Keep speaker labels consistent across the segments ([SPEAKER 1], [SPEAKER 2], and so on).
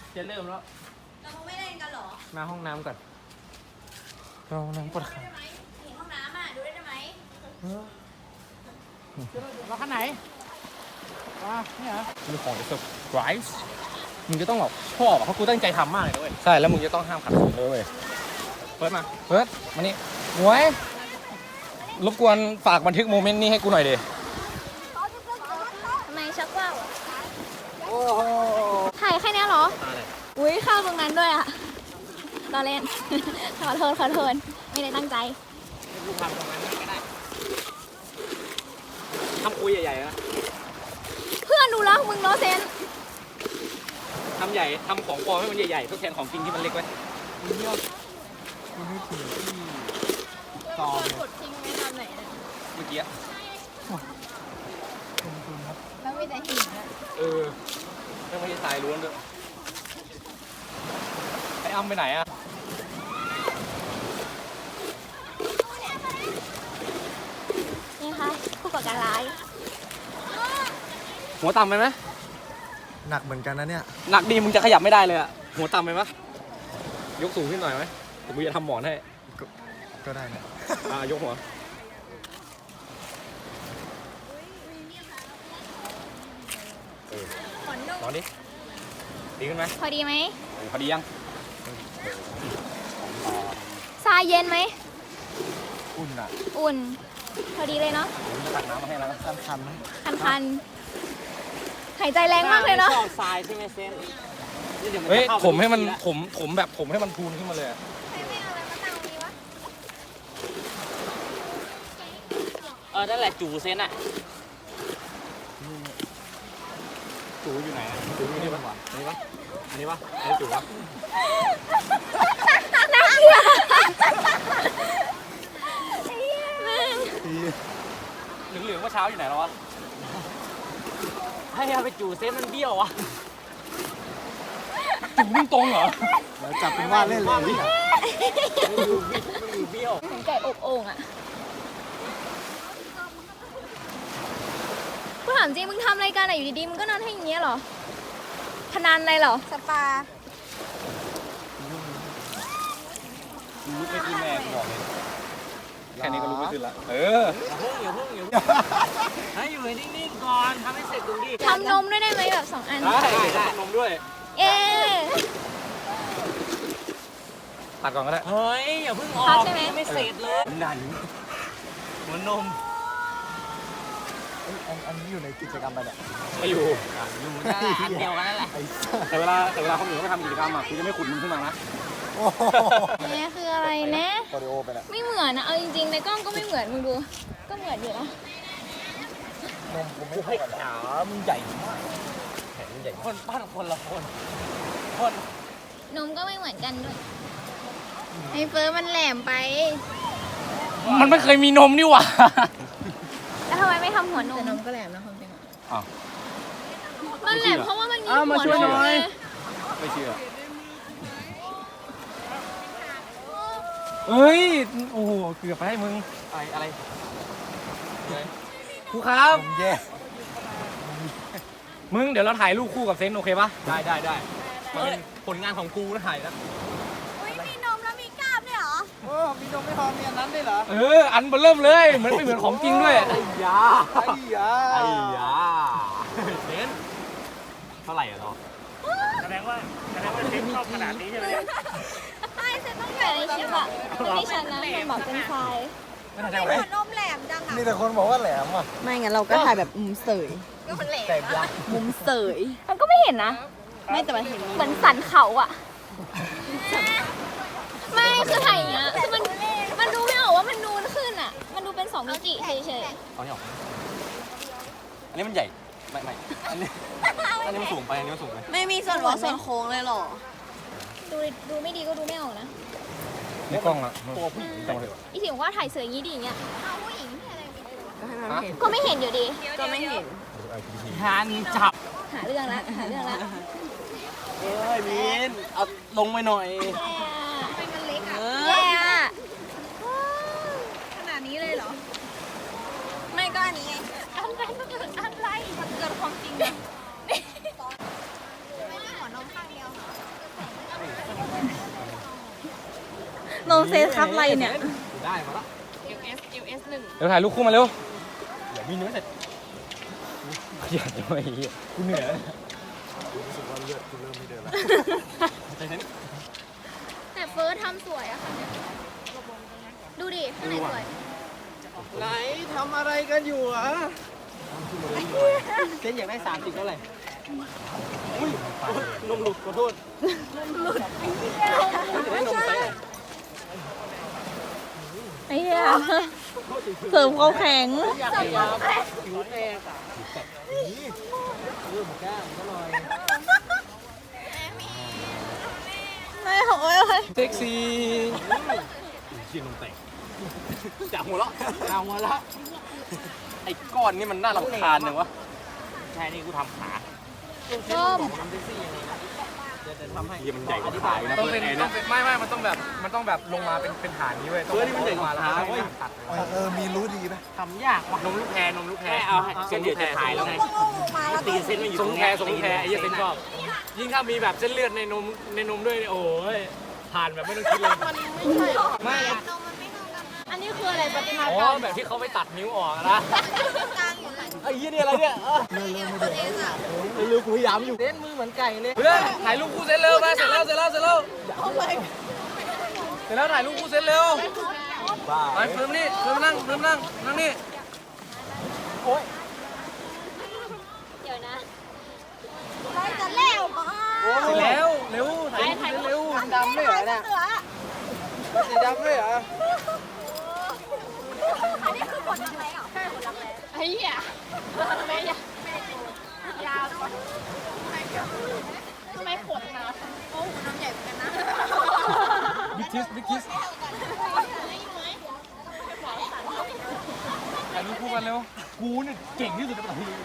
[SPEAKER 1] จะเริ่มแล้ว
[SPEAKER 2] เราคงไม่เล่นกันหรอ
[SPEAKER 1] มาห้องน้ำก่อนเราห้องน้ำปวดขา
[SPEAKER 2] เห็นห้องน้ำอ่ะดูได้ไหม
[SPEAKER 1] เราขั้นไหนว้าเนี่ยมีของจะเซอร์ไพรส์มึงจะต้องแบบชอบเพราะกูตั้งใจทำมากเลยด้วยใช่แล้วมึงจะต้องห้ามขัดขืนด้วยเปิดมานี่หวยรบกวนฝากบันทึกโมเมนต์นี้ให้กูหน่อยดิ
[SPEAKER 2] ทำไมชักว่าวถ่ายแค่นี้เหรออุ้ยเข้าตรงนั้นด้วยอ่ะรอเล่น ขอโทษไม่ได้ตั้งใจ
[SPEAKER 1] กูทำตรงนั้นก็ได้ทำคุยใหญ่ๆนะ
[SPEAKER 2] เพื่อนดูแล้วมึงโนเซน
[SPEAKER 1] ทำใหญ่ทำของปลอมให้มันใหญ่ๆทดแทนของจริงที่มันเล็กไว้คุณนึกถึงที่ตอนกดทิ้งไว้ตอนไหนเมื่อกี้
[SPEAKER 2] แล้วมีแต่หินอ่ะ
[SPEAKER 1] ไม่ใช่ทรายล้วนด้วยไอ้อ้ำไปไหนอ่ะ
[SPEAKER 2] นี่ค่ะผู้ก่อการร้าย
[SPEAKER 1] หัวต่ำไปไหม
[SPEAKER 3] หนักเหมือนกันนะเนี่ย
[SPEAKER 1] หนักดีมึงจะขยับไม่ได้เลยอะหัวต่ำไปปะยกสูงขึ้นหน่อยไหมแต่กูจะทำหมอนให้
[SPEAKER 3] ก็ได้นะ
[SPEAKER 1] ยกหัวนอนดิดีขึ้นไหม
[SPEAKER 2] พอดีไหม
[SPEAKER 1] พอดียัง
[SPEAKER 2] ทรายเย็นไหม
[SPEAKER 3] อุ่นอ่ะ
[SPEAKER 2] อุ่นพอดีเลยเนาะ
[SPEAKER 1] จะตักน้ำมาให้แล้ว
[SPEAKER 3] คันไหม
[SPEAKER 2] คันหายใจแรงมากเลยเนาะ
[SPEAKER 1] ชอบทรายใช่ไหมเซนเฮ้ยผมให้มันผมแบบผมให้มันพูนขึ้นมาเลย
[SPEAKER 2] ไม่เอาอะไรมาตั้งนี้ว
[SPEAKER 1] ะนั่นแหละจูเซนอะจูอยู่ไหนจูอยู่นี่ปะอันนี้ปะอันนี้จูปะ
[SPEAKER 2] น่าเกลียด
[SPEAKER 1] เหลืองๆว่าเช้าอยู่ไหนแล้ววะให้เอาไปจูเซนมันเบี้ยวอะจูวิ่งตรงเหรอ
[SPEAKER 3] จับเป็นว่าเล่นเลย
[SPEAKER 1] ไม่อยู่เบี้ยว
[SPEAKER 2] เหมือนไก่อบโอ่งอะกูถามจริงมึงทำอะไรกันอะอยู่ดีๆมึงก็นอนให้อย่างเงี้ยเหรอพนันอะไรเหรอสปา
[SPEAKER 1] ลุกไม่ขึ้นแม่บอกเลยแค่นี้ก็ลุกไม่ขึ้นละอย่าเพิ่งให้อยู่นิ่งๆก่อนทำให้เสร็จดูดิ
[SPEAKER 2] ทำนมด้วยได้ไหมแบบ2 อัน
[SPEAKER 1] ได้ทำนมด้วยตัดก่อนก็ได้เฮ้ยอย่าเพิ่งออก
[SPEAKER 2] ใช่ไหม
[SPEAKER 1] ไม่เสร็จเลยหนันหัวนม
[SPEAKER 3] อันนี้อยู่ในกิจกรรมไปเนี่ย
[SPEAKER 1] ไม่อยู่ได้อันเดียวกันนั่นแหละแต่เวลาเขาอยู่ไม่ทำกิจกรรมอ่ะคุณจะไม่ขุดมึงขึ้นมานะ
[SPEAKER 2] นี่คืออะไรนะ
[SPEAKER 3] โอริโอไปแล้ว
[SPEAKER 2] ไม่เหมือนนะเอาจริงๆในกล้องก็ไม่เหมือนมึงดูก็เหมือนอยู่นะ
[SPEAKER 3] นมกูไม่ค่อย
[SPEAKER 1] ขามันใหญ่มากแขนมันใหญ่คนบ้านคนละคน
[SPEAKER 2] นมก็ไม่เหมือนกันด้วยไอ้เฟิร์สมันแหลมไป
[SPEAKER 1] มันไม่เคยมีนมนี่หว่า
[SPEAKER 2] แล้วทำไมไม่ทำหัวนม
[SPEAKER 3] นมก็แหลมนะความจริง
[SPEAKER 2] มันแหลมเพราะว่ามันมีหัวนมเลย
[SPEAKER 1] ไม่เชื่อเฮ้ยโอ้โหเกือบไปให้มึงอะไรครูครับ
[SPEAKER 3] แย่
[SPEAKER 1] มึงเดี๋ยวเราถ่ายรูปคู่กับเซนโอเคปะได้ผลงานของกูนะถ่ายนะ
[SPEAKER 2] มีนมแล้วมีกล้ามด้วยเหรอ
[SPEAKER 3] มีนมไม่พอมีอันนั้นด้วยเหรอ
[SPEAKER 1] อันเริ่มเลยเหมือนไม่เหมือนของจริงด้วย
[SPEAKER 3] ไอ้ยา
[SPEAKER 1] เซนเท่าไหร่อะเนาะแสดงว่าเซนชอบขนาดนี้ใช่ไหม
[SPEAKER 2] ใช่เซนต้องอยู่ในคลิปอะไม่ได้ฉันนะมันบอกเป็นไฟ
[SPEAKER 3] ไม่หัวนมแหลมจังอะมีแต่คนบอกว่าแหลมอ่ะ
[SPEAKER 4] ไม่งั้นเราก็ถ่ายแบบมุมเสย
[SPEAKER 2] ก็มันแหลม
[SPEAKER 4] มุมเสย
[SPEAKER 2] มันก็ไม่เห็นนะ
[SPEAKER 4] ไม่แต่มันเห็น
[SPEAKER 2] เหมือนสันเขาอะไม่คือถ่ายอย่างเงี้ยคือมันดูไม่ออกว่ามันนูนขึ้นอะมันดูเป็น2 มิติเฉย
[SPEAKER 1] ๆเอาเนี่ยอันนี้มันใหญ่ไม่อันนี้มันสูงไปอันนี้มันสูงไป
[SPEAKER 4] ไม่มีส่วนหัวส่วนโค้งเลยหรอ
[SPEAKER 2] ดูไม่ดีก็ดูไม่ออกนะ
[SPEAKER 1] นี่กล้องละตัวผู้หญิงจังเลย
[SPEAKER 2] อีถึงว่าถ่ายเสือยี่ดีอย่างเงี้ยผู้หญิง
[SPEAKER 4] ก็
[SPEAKER 2] ไม่เห็นอยู่ดี
[SPEAKER 4] ก็ไม่เห็น
[SPEAKER 1] หันจับ
[SPEAKER 2] หาเรื่องละ
[SPEAKER 1] มินเอาลงไปหน่อย
[SPEAKER 2] มันเล็กอะแย่อะขนาดนี้เลยเหรอ
[SPEAKER 4] ไม่ก็อันนี้ไง
[SPEAKER 2] อะไรมันเกินความจริงเลยไม่ได้หัวนมข้างเดียวนมเซตครับอะไรเนี่ย
[SPEAKER 1] ได้มาแล้ว
[SPEAKER 4] LS 1
[SPEAKER 1] เดี๋ยวถ่ายรูปคู่มาเร็วเดี๋ยวมีเนื้อเสร็จเหี้ยทำไมกูเหนื่อยแล้ว
[SPEAKER 3] รู้สึกว่าเลือดกูเริ่มไม่เดินแล้ว
[SPEAKER 2] แต่เฟิร์สทำสวยอะค่ะเนี่ยดูดิข้างในสวย
[SPEAKER 1] ไหนทำอะไรกันอยู่อ่ะเส้นอยากได้30เท่าไหร่อุ้ยนมหลุดขอโทษนมหลุดได้นมไป
[SPEAKER 2] ไอ้เหี้ยเสริมความแข็ง
[SPEAKER 1] อยากพยายามผิวแดงอ่ะหมูก้างก็ลอย
[SPEAKER 2] ไม่โอ้ย
[SPEAKER 1] เซ็กซี่ชิ้นนมแตกจับหัวละเอาหัวละไอ้ก้อนนี่มันน่ารำคาญจังวะใช่นี่กูทำขา
[SPEAKER 2] ส้ม
[SPEAKER 1] ทำเซ็กซี่ยังไงนะจะทำให้มันใหญ่กว่าขานะต้องเป็นไม่มันต้องแบบลงมาเป็นฐานนี้เว้ยนี่มันใหญ่กว่าขาเว้ย
[SPEAKER 3] มีรู้ดีไหม
[SPEAKER 1] ทำยากว่ะนมลูกแพรเอาเส้นเดียวจะถ่ายแล้วไงตีเส้นมันอยู่ทรงแพรไอ้เหี้ยเส้นชอบยิ่งถ้ามีแบบเส้นเลือดในนมด้วยโอ้ยผ่านแบบไม่ต้องคิดเลยไม่
[SPEAKER 2] อันนี้คืออะไรปฏิมาก
[SPEAKER 1] อ๋
[SPEAKER 2] ร
[SPEAKER 1] อ
[SPEAKER 2] รม
[SPEAKER 1] แบบที่เขาไปตัดนิ้วออกนะไอ้ยี่นี่อะไรเนี่ยเร็วกูพยายามอยู่เส้นมือเหมือนไก่เลยเพื่อนถ่ายรูปคู่เส้นเร็วมาเสร็จแล้วถ่ายรูปคู่เส้นเร็วไปเฟิร์มนั่งนี่
[SPEAKER 2] เดี๋ยวนะ
[SPEAKER 4] จะแล้วมา
[SPEAKER 1] เสร็จแล้วเร็วถ่ายรูปเร็วดำไม่เหรอเนี่ยสีดำไม่เหรอ
[SPEAKER 4] อันนี้คือผลรักแร้เหรอใช่ผลรักแร้
[SPEAKER 2] ไอ้เหี้ยแม่ยาวทำไมขนนะ
[SPEAKER 4] โอ้หัวนมใหญ่เหมือนกันนะ
[SPEAKER 1] บิ๊กคิสถ่ายรูปคู่กันเร็วกูเนี่ยเก่งที่สุดในประเทศนี้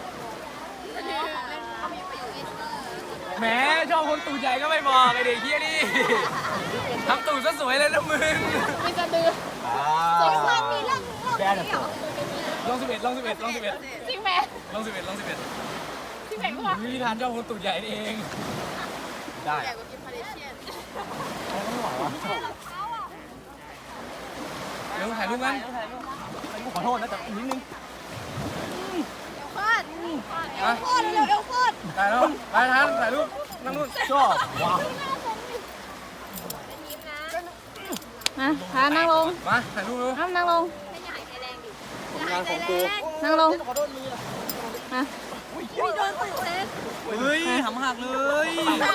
[SPEAKER 1] แหมชอบคนตูดใหญ่ก็ไม่บอกไอเด็กเฮียนี่ทำตูดซะสวยเลยนะมึง
[SPEAKER 2] มีสะดือ
[SPEAKER 4] มีเรื่อง
[SPEAKER 1] แบนอ่ะลอง11
[SPEAKER 2] จริงไหม
[SPEAKER 1] ลอง11
[SPEAKER 2] จริงไหมวะ
[SPEAKER 1] วิธีทานชอบคนตูดใหญ่นี่เองได้
[SPEAKER 4] ใหญ่กว่ากินพาเลเชียน
[SPEAKER 1] เร็วถ่ายรูปกันขอโทษนะแต่นิดนึง
[SPEAKER 4] โคตรเร็วโคตร
[SPEAKER 1] ถ่ายแล้วไปทานถ่ายรูปนั่งนู่นชอบว้าว
[SPEAKER 2] มาพานั่งลง
[SPEAKER 1] มาถ่ายรูปเร็ว
[SPEAKER 2] นั่งลง
[SPEAKER 1] ผลงานของกู
[SPEAKER 2] นั่งลงมา
[SPEAKER 4] โดนตุ่เล็ก
[SPEAKER 1] เฮ้ยหำหักเลย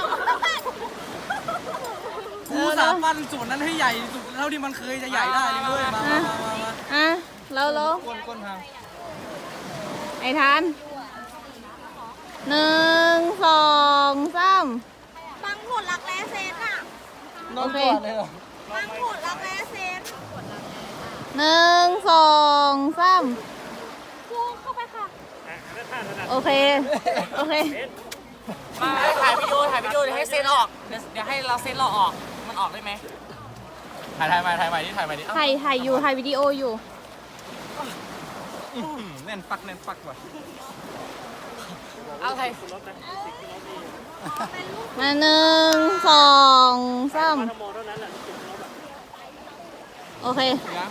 [SPEAKER 1] กูสาปั้นส่วนนั้นให้ใหญ่สุดเท่าที่มันเคยจะใหญ่ได้เลยเว้ยมา
[SPEAKER 2] อ่ะเราลง
[SPEAKER 1] ก้นทาง
[SPEAKER 2] ไอ้ทาน1 2 3
[SPEAKER 4] บังผลรักแร้เซนอะ
[SPEAKER 2] โอเค
[SPEAKER 4] บังผลรักแร้เซน
[SPEAKER 2] 1 2 3
[SPEAKER 4] พูดเข้าไปค่ะ
[SPEAKER 2] โอเค
[SPEAKER 5] มาถ่ายวิดีโอเดี๋ยวให้เซ็นออก เดี๋ยวให้เราเซ็นเราออก มันออกได้ไหม
[SPEAKER 1] ถ่ายใหม่ดิ
[SPEAKER 2] ถ่ายอยู่ถ่ายวิดีโออยู่
[SPEAKER 1] แน่นปักว่ะ
[SPEAKER 5] เอาใคร
[SPEAKER 2] มา1 2 3โอเค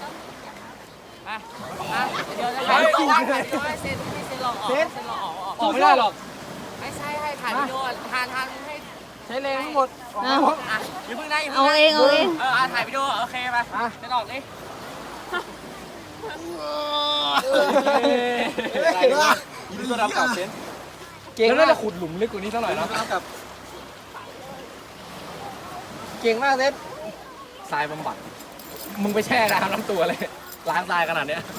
[SPEAKER 5] เดี๋ยวจะถ่ายวิดีโอให้เซ็นเราออก เซ็นเราออก
[SPEAKER 1] ออกไม่ได้หรอก
[SPEAKER 5] ไม่ใช่ให้ถ่ายวิดีโอทานให้
[SPEAKER 1] ใช้แรงทั้งหมด
[SPEAKER 2] เอา
[SPEAKER 5] อ่ะอย่าเพิ่งนะอย่า
[SPEAKER 2] เอา
[SPEAKER 5] เพิ่ง
[SPEAKER 2] เองเอาเอง
[SPEAKER 5] ถ่ายวิดีโอโอเคไปเซ็นออกดิ
[SPEAKER 1] ยินดีต้อนรับกลับเซนเก่งแล้วน่าจะขุดหลุมลึกกว่านี้สักหน่อยนะเก่งมากเซนทรายบำบัดมึงไปแช่น้ำทั้งตัวเลยล้างทรายขนาดเนี้ย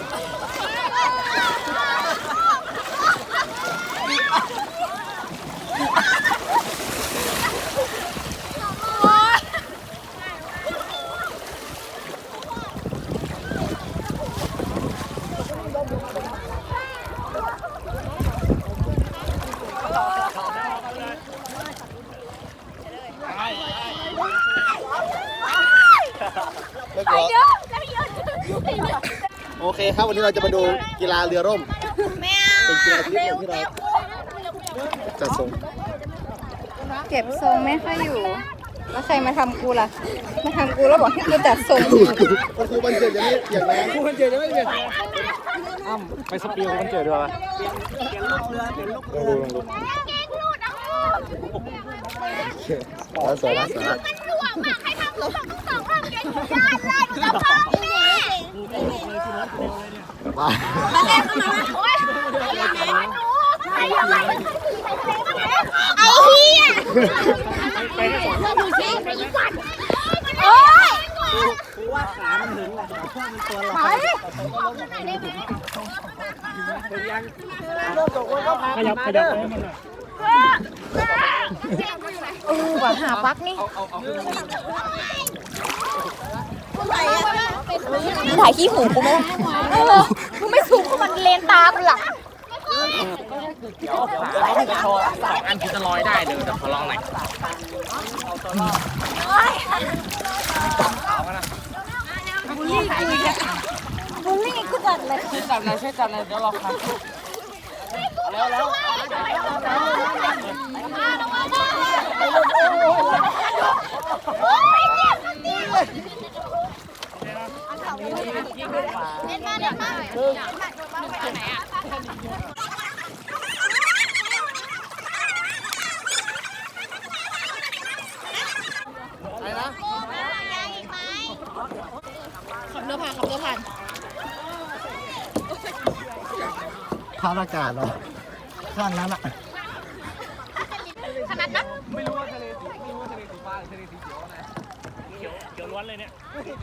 [SPEAKER 1] โอเคครับวันนี้เราจะมาดูกีฬาเรือร่มเป็นกีฬาชนิดหนึ่งที่เราจัดส่ง
[SPEAKER 2] เก็บทรงไม่ค่อยอยู่แล้วใครมาทำกูล่ะ มาทำกูแล้วบอกให้กูจัดทรง
[SPEAKER 3] ก็คือวันเกิดจะไม่อย่างแรง
[SPEAKER 1] กูมันเจอจะไม่เจออ้ำไปสปีลมันเจอด้วยวะแล้วสวยแล้วสวยแล้ว
[SPEAKER 2] ไอ้เหี้ยดูสิโอ้ยว่าขามันถึงแหละพ่อมันตัวลอยขยับให้มันหน่อยว่าหาปักนี่ถ่ายขี้หูกูไหมกูไม่สูงกูมันเลนตากูหลัก
[SPEAKER 5] เดี๋ยวเราจะโชว์สองอันที่จะลอยได้เลยแต่ขอลองหน่อย
[SPEAKER 2] บูลลี่กูจัดเลย
[SPEAKER 5] ช่วยจับหน่อยช่วยจับหน่อยเดี๋ยวรอครับแล้ว
[SPEAKER 2] ขับเรือผ่าน
[SPEAKER 3] ภาพอากาศเหรอข้างนั้นอ่ะ
[SPEAKER 2] ขนาดนั้น
[SPEAKER 1] ไม่รู้ว่าทะเลสีไม่รู้ว่าทะเลสีฟ้าหรือทะเลสีเขียวนะเขียวล้วนเลยเนี่ย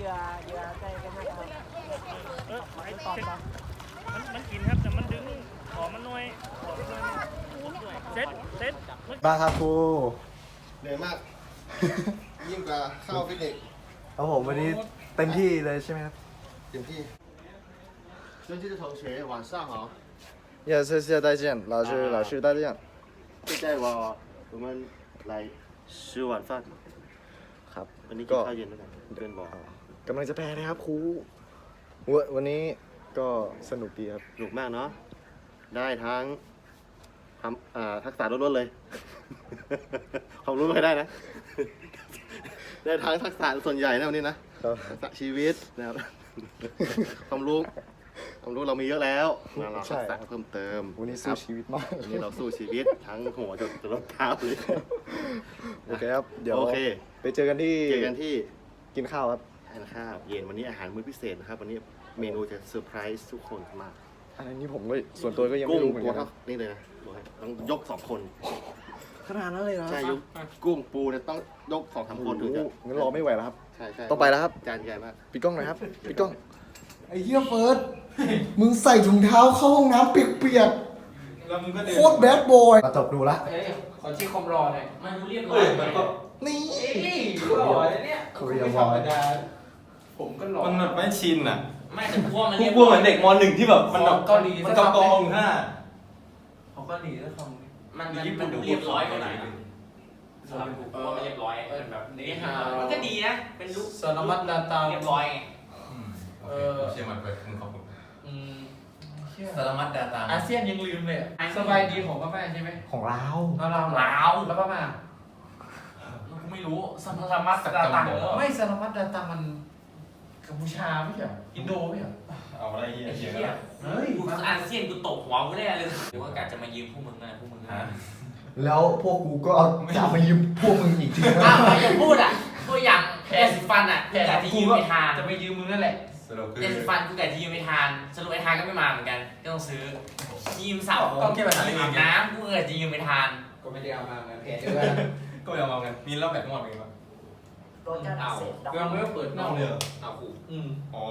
[SPEAKER 1] มันกินครับแต่มันดึงขอมันน้อยเซ็ต
[SPEAKER 3] บ้าครับครู
[SPEAKER 6] เหนื่อยมาก ยิ่งกว่าเข้าฟิตเนส
[SPEAKER 3] ครับผมวันนี้เต็มที่เลยใช่ไหมครับ
[SPEAKER 6] เต็มที่尊敬的同学晚上好
[SPEAKER 3] 也谢谢再见老师再见
[SPEAKER 6] 现在我们来吃晚饭
[SPEAKER 3] ครับ
[SPEAKER 6] วันนี้กินข้าวเย็นด้วยกันเพื่อนบอก
[SPEAKER 3] กำลังจะแพ้นะครับครูวันนี้ก็สนุกดีครับ
[SPEAKER 6] สนุกมากเนาะได้ทั้งทักษะล้วนๆเลย ความรู้ไม่ได้นะ ได้ทั้งทักษะส่วนใหญ่นะวันนี้นะทักษะชีวิตนะครับ ความรู้เรามีเยอะแล้วนะเราทักษะเพิ่มเติม
[SPEAKER 3] วันนี้สู้ชีวิตมาก
[SPEAKER 6] วันนี้เราสู้ชีวิตทั้งหัวจนรองเท้าเลย
[SPEAKER 3] โอเคครับเดี๋ยว
[SPEAKER 6] โอเค
[SPEAKER 3] ไปเจอกันที่
[SPEAKER 6] เจอกันที่
[SPEAKER 3] กินข้าวครับ
[SPEAKER 6] ทานข้าวเย็นวันนี้อาหารมื้อพิเศษนะครับวันนี้เมนูจะเซอร์ไพรส์ทุกคนมาก
[SPEAKER 3] อันนี้ผมก็ส่วนตัวก็ยัง
[SPEAKER 6] กุ้
[SPEAKER 3] ไม่
[SPEAKER 6] ง
[SPEAKER 3] รู้เหมือน
[SPEAKER 6] ตัว
[SPEAKER 3] กันค
[SPEAKER 6] เท่า
[SPEAKER 3] รับ
[SPEAKER 6] นี่เลยนะบอกให้ต้องยก2 คน
[SPEAKER 3] ขนาดนั้นเลยนะ
[SPEAKER 6] ใช่ยกกุ้งปูเนี่ยต้องยก2-3 คนถึงจะ
[SPEAKER 3] งั้นรอไม่ไหวแล้วครับ
[SPEAKER 6] ใช่
[SPEAKER 3] ต้องไปแล้วครับ
[SPEAKER 6] จานใหญ่มาก
[SPEAKER 3] ปิดกล้องหน่อยครับปิดกล้อง
[SPEAKER 7] ไอ้เหี้ยเฟิร์ส มึงใส่ถุงเท้าเข้าห้องน้ำเปียกๆ โคตรแบดบอย มาตบดูละ
[SPEAKER 1] ขอชี้คอมรอหน่อย
[SPEAKER 5] มันดูเรียบร้อยมันก็
[SPEAKER 7] นี่
[SPEAKER 1] หล่อเลยเนี่ย
[SPEAKER 7] โคเรียบอย
[SPEAKER 1] ผมก็หล่อ
[SPEAKER 8] มันแบบไม่ชินอ่ะ
[SPEAKER 5] ไม่แต่พวกมัน
[SPEAKER 8] พว
[SPEAKER 5] เรีย
[SPEAKER 8] ก
[SPEAKER 5] บ
[SPEAKER 8] พวกเหมือนเด็กม .1 ที่แบบมันแบบ
[SPEAKER 1] เกาหลี
[SPEAKER 8] มันกองอยู่หน้า
[SPEAKER 1] เขาก็หลีแล้วค
[SPEAKER 5] มันดูเรียบร้อยกว่าหน่อยสำหรับผมว่ามันเรียบร้อยมันแบบนี้มันก็ดีนะเป็นลุค
[SPEAKER 1] สารมัดดาตา
[SPEAKER 5] เรียบร้อยไง
[SPEAKER 8] เชื่อมันไปมึงขอบคุณ
[SPEAKER 1] อืม
[SPEAKER 8] สารมัดดาตา
[SPEAKER 1] อาเซียนยังลืมเลยสบายดีของพ่อแม่ใช่ไหม
[SPEAKER 3] ของเรา
[SPEAKER 1] เรา
[SPEAKER 5] ลาว
[SPEAKER 1] แล้วพ่อแม่
[SPEAKER 5] กูไม่รู้สมรมัสตาตัง
[SPEAKER 1] ไม่สารมัดดาตามันกัมพูชาไม่ใช่อินโดไม่ใช่
[SPEAKER 8] เอาอะไรเหี้ยเหี้ย
[SPEAKER 5] เฮีย
[SPEAKER 1] เฮ้ย
[SPEAKER 5] กูอาเซียนกูตกหัวกูแน่เลยหรือว่ากะจะมายืมพวกมึงนะพวกมึงนะ
[SPEAKER 7] แล้วพวกกูก็จะมายืมพวกมึงอีกทีนะ
[SPEAKER 5] อ้าวไม่จะพูดอ่ะตัวอย่างแพรสีฟันอ่ะกะจะยืมไปทาน
[SPEAKER 1] จะไปยืมมึงนั่นแหละ
[SPEAKER 8] สรุปคือ
[SPEAKER 5] แพรสีฟันกูกะจะยืมไปทานสรุปไอ้ทานก็ไม่มาเหมือนกันก็ต้องซื้อยืมสาวผม
[SPEAKER 1] ต้องแก้ปัญหา
[SPEAKER 5] ยืม
[SPEAKER 1] เรื่อง
[SPEAKER 5] อาบน้ำกูกะจะยืมไปทาน
[SPEAKER 1] ก็ไม่ได้เอามาเหมือนเพจ
[SPEAKER 8] ก็ไม่เอามากันมีรอบแบบทั้งหมดเป็นไงบ้าง
[SPEAKER 5] เอา
[SPEAKER 1] ก็ไม่เปิดนอกเลย
[SPEAKER 5] เอาขู่
[SPEAKER 8] โอ้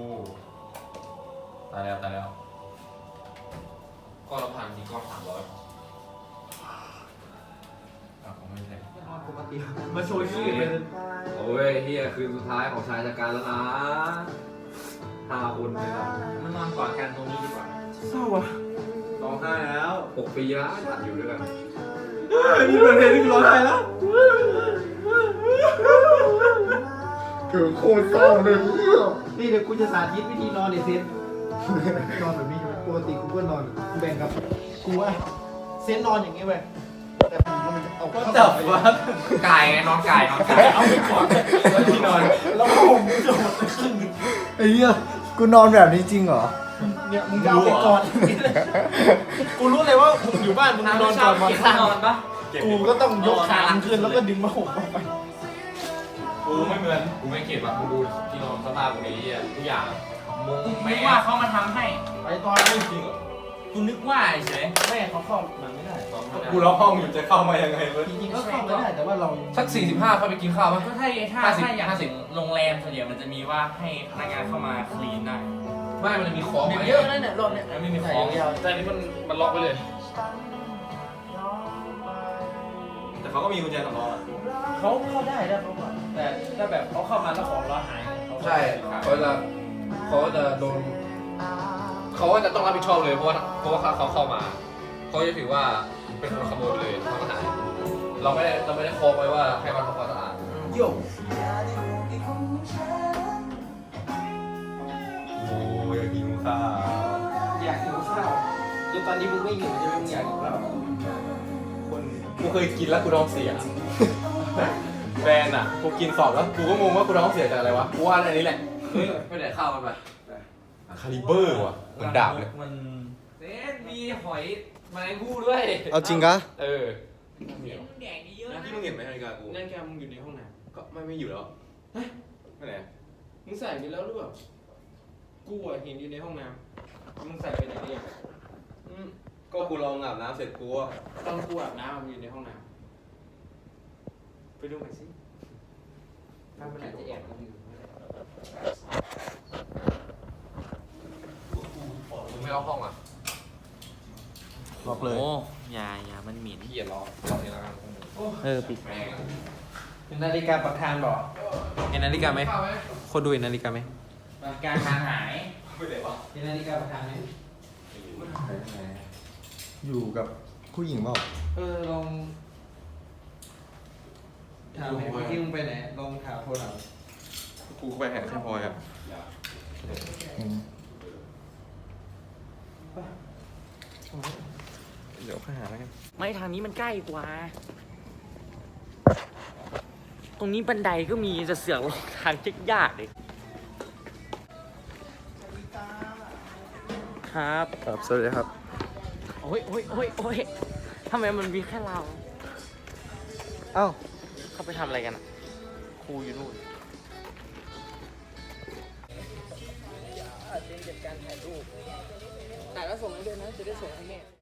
[SPEAKER 8] ตายแล้ว
[SPEAKER 5] ก็เราผ่านทีก็300
[SPEAKER 8] ผมไม่ใช่
[SPEAKER 1] มาโชว์ชื่อเลย
[SPEAKER 9] โอ้ยเฮียคืนสุดท้ายของชายจัดการแล้วนะ5 คนเลยครับ
[SPEAKER 5] มันนอนกอดกันตรงนี้ดีกว่า
[SPEAKER 3] เศร้าอ่ะ
[SPEAKER 9] ร้องไห้แล้ว6 ปีแล้วตัดอยู่ด้วยกัน
[SPEAKER 3] มีประเด็นที่ร้องไห้แล้วถึงโคตรเศร้าเลย
[SPEAKER 7] นี่เดี๋ยวกูจะสาธิตวิธีนอนในเซนนอนแบบนี้ปกติกูก็นอนแบ่งกับกูว่าเซนนอนอย่างนี้เว้ย
[SPEAKER 6] แต่มันจะเอาเข้า
[SPEAKER 8] จับวะ
[SPEAKER 5] กายไงนอนกายเอาไปก่อนแล้วที่นอน
[SPEAKER 6] แล้วผมจะหมดไปครึ่งหนึ่ง
[SPEAKER 7] ไอ้เหี้ยกูนอนแบบนี้จริงเหรอ
[SPEAKER 6] เนี่ยมึงจะเอาไปก่อนกูรู้เลยว่ามึงอยู่บ้านมึงนอนก่อน
[SPEAKER 5] เก็บที่นอนปะ
[SPEAKER 6] กูก็ต้องยกขามึงขึ้นแล้วก็ดึงมาห่มออกไป
[SPEAKER 8] กูไม่เหมือนกูไม่เก็บอ่ะกูดูที่นอนสภาพกูนี้อ่ะทุกอย่างมุ้ง
[SPEAKER 5] ไม่
[SPEAKER 8] แม่
[SPEAKER 5] ว่าเขามาทำให้
[SPEAKER 6] ไปตอนนี้
[SPEAKER 8] จริงเหรอ
[SPEAKER 5] กูนึกว่าเฉย
[SPEAKER 6] แม่เขาเข้ามาไม่ได้
[SPEAKER 8] กูล็อกห้องอยู่จะเข้ามายังไงเว้ย
[SPEAKER 6] จริงๆก็เข้ามาได้แต่ว่าเรา
[SPEAKER 9] สัก45ค่อยไปกินข้าวมั้ย
[SPEAKER 5] ก็ถ้าอย่างโรงแรมส่วนใหญ่มันจะมีว่าให้พนักงานเข้ามาคลีนได้
[SPEAKER 9] ไม่มันจะมีของไหม
[SPEAKER 5] เยอะนะเนี่ยรอบเนี้ยไม่มีของ
[SPEAKER 9] แต่นี่มันล็อกไปเลย
[SPEAKER 8] แต่เขาก็มีกุญแจสำรองอ่ะ
[SPEAKER 6] เขาเข้าได้แล้วเขาบอกแต่ถ้าแบบเขาเข้ามาแล้วของเราหาย
[SPEAKER 9] ใช่เขาจะโดนเขาก็จะต้องรับผิดชอบเลยเพราะว่าเขาเข้ามาเขาจะถือว่าเป็นคนขโมยไปเลยทำอาหารเราไม่ได้โคไว้ว่าให้มันทำความสะอาด
[SPEAKER 6] โย่
[SPEAKER 8] โอ้ยอยากกินข้าว
[SPEAKER 6] อยากกินข้าวจนตอนนี้มึงไม่หิวใช่ไหมมึงอยากกินข้าว
[SPEAKER 8] กูเคยกินแล้วกูท้องเสียแบรนด์อ่ะกูกินสอบแล้วกูก็งงว่ากูท้องเสียจากอะไรวะกูว่าอันนี้แหละ
[SPEAKER 9] ไม่ได้ข้าวมันไป
[SPEAKER 8] คาลิเบอร์ว่ะเหมือนดาบเลย
[SPEAKER 5] มัน
[SPEAKER 9] เน้นมีหอยแมลงภู่ด้วย
[SPEAKER 3] เอาจริงกะ
[SPEAKER 8] เออ
[SPEAKER 5] แดงเยอะนะ
[SPEAKER 8] ที่มึงเห็นไหมนาฬิกากู
[SPEAKER 6] นั่นแกมึงอยู่ในห้องน้
[SPEAKER 8] ก็ไม่อยู่แล้วไม่ไหน
[SPEAKER 6] ำมึงใส่ไปแล้วหรือเปล่ากูอะเห็นอยู่ในห้องน้ำมึงใส่ไปไหนเนี่ย
[SPEAKER 8] ก็กูลองอาบน้ำเสร็จกูว่า
[SPEAKER 6] ตอนกูอาบน้ำมันอยู่ในห้องน้ำไปดูหน่อยสิ
[SPEAKER 5] ถ้ามันอาจจะแอบกันอยู่
[SPEAKER 9] มึงไม่ล็อกห้องอ่ะ
[SPEAKER 3] ล็อกเลย
[SPEAKER 5] โอ้อย่ามันเหม็น
[SPEAKER 9] พี่อย่าล็อกนี่แล้วกัน
[SPEAKER 5] ปิด
[SPEAKER 9] แม่ง
[SPEAKER 6] เป็นนาฬิกาประธานบอก
[SPEAKER 5] เห็นนาฬิกาไหมคนดูเห็นนาฬิกาไหม
[SPEAKER 6] การทางหาย
[SPEAKER 8] ไม่ได้ปะ
[SPEAKER 6] เป็นนาฬิกาประธานไหม
[SPEAKER 3] อยู่กับผู้หญิงเปล่า
[SPEAKER 6] ลองถามเมื่อกี้มึงไปไหนลองถามโทรถาม
[SPEAKER 8] กูไปแหกแค่พลอยอ่ะ
[SPEAKER 3] อืม
[SPEAKER 8] เดี๋ยวข้าหาแล้วกัน
[SPEAKER 5] ไม่ทางนี้มันใกล้กว่า ตรงนี้บันไดก็มีจะเสือกลงทางยากเลยครับ
[SPEAKER 3] ครับ สวัสดีครับ
[SPEAKER 5] โอ้ยทำไมมันมีแค่เรา
[SPEAKER 3] เอ้า
[SPEAKER 5] เขาไปทำอะไรกันอ่ะ ครูอยู่นู่นจัดการถ่ายรูปแต่แล้วส่งให้ด้วยนะ จะได้ส่งให้แม่